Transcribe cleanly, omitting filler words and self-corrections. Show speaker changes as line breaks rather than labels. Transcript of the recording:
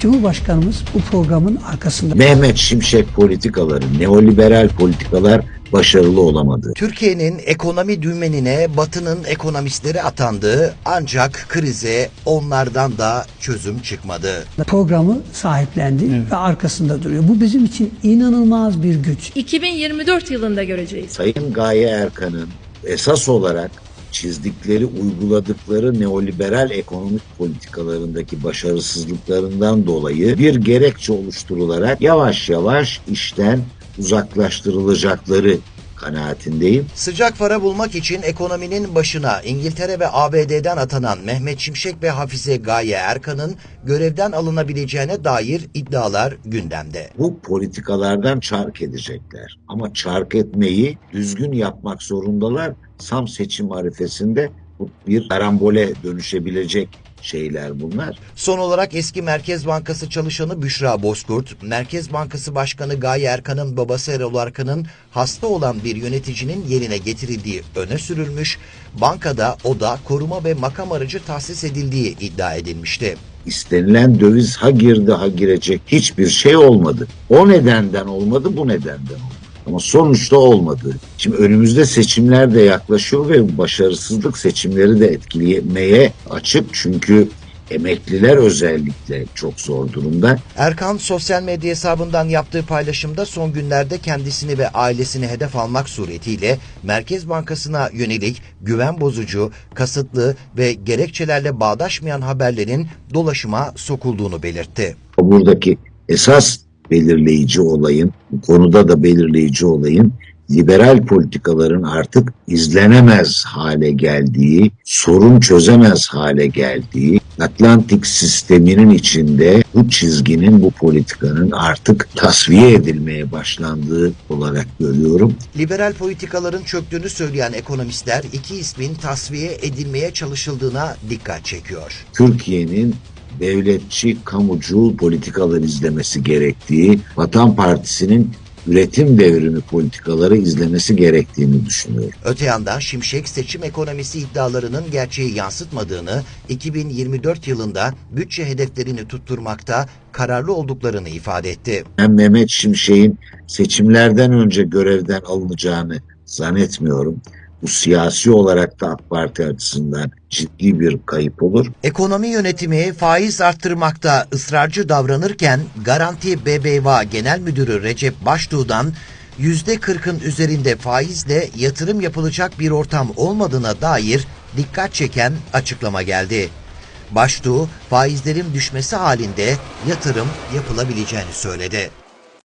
Cumhurbaşkanımız bu programın arkasında.
Mehmet Şimşek politikaları, neoliberal politikalar başarılı olamadı.
Türkiye'nin ekonomi dümenine Batı'nın ekonomistleri atandı ancak krize onlardan da çözüm çıkmadı.
Programı sahiplendi ve arkasında duruyor. Bu bizim için inanılmaz bir güç.
2024 yılında göreceğiz.
Sayın Gaye Erkan'ın esas olarak çizdikleri, uyguladıkları neoliberal ekonomik politikalarındaki başarısızlıklarından dolayı bir gerekçe oluşturularak yavaş yavaş işten uzaklaştırılacakları kanaatindeyim.
Sıcak para bulmak için ekonominin başına İngiltere ve ABD'den atanan Mehmet Şimşek ve Hafize Gaye Erkan'ın görevden alınabileceğine dair iddialar gündemde.
Bu politikalardan çark edecekler. Ama çark etmeyi düzgün yapmak zorundalar. Sam seçim arifesinde bu bir karambole dönüşebilecek şeyler bunlar.
Son olarak eski Merkez Bankası çalışanı Büşra Bozkurt, Merkez Bankası Başkanı Gaye Erkan'ın babası Erol Erkan'ın hasta olan bir yöneticinin yerine getirildiği öne sürülmüş, bankada oda, koruma ve makam aracı tahsis edildiği iddia edilmişti.
İstenilen döviz ha girdi ha girecek hiçbir şey olmadı. O nedenden olmadı, bu nedenden oldu. Ama sonuçta olmadı. Şimdi önümüzde seçimler de yaklaşıyor ve başarısızlık seçimleri de etkilemeye açık. Çünkü emekliler özellikle çok zor durumda.
Erkan sosyal medya hesabından yaptığı paylaşımda son günlerde kendisini ve ailesini hedef almak suretiyle Merkez Bankası'na yönelik güven bozucu, kasıtlı ve gerekçelerle bağdaşmayan haberlerin dolaşıma sokulduğunu belirtti.
Buradaki esas belirleyici olayın, bu konuda da belirleyici olayın liberal politikaların artık izlenemez hale geldiği, sorun çözemez hale geldiği, Atlantik sisteminin içinde bu çizginin, bu politikanın artık tasfiye edilmeye başlandığı olarak görüyorum.
Liberal politikaların çöktüğünü söyleyen ekonomistler iki ismin tasfiye edilmeye çalışıldığına dikkat çekiyor.
Türkiye'nin devletçi, kamucu politikalar izlemesi gerektiği, Vatan Partisi'nin üretim devrimi politikaları izlemesi gerektiğini düşünüyorum.
Öte yandan Şimşek seçim ekonomisi iddialarının gerçeği yansıtmadığını, 2024 yılında bütçe hedeflerini tutturmakta kararlı olduklarını ifade etti.
Ben Mehmet Şimşek'in seçimlerden önce görevden alınacağını zannetmiyorum. Bu siyasi olarak da AK Parti açısından ciddi bir kayıp olur.
Ekonomi yönetimi faiz arttırmakta ısrarcı davranırken Garanti BBVA Genel Müdürü Recep Baştuğ'dan %40'ın üzerinde faizle yatırım yapılacak bir ortam olmadığına dair dikkat çeken açıklama geldi. Baştuğ, faizlerin düşmesi halinde yatırım yapılabileceğini söyledi.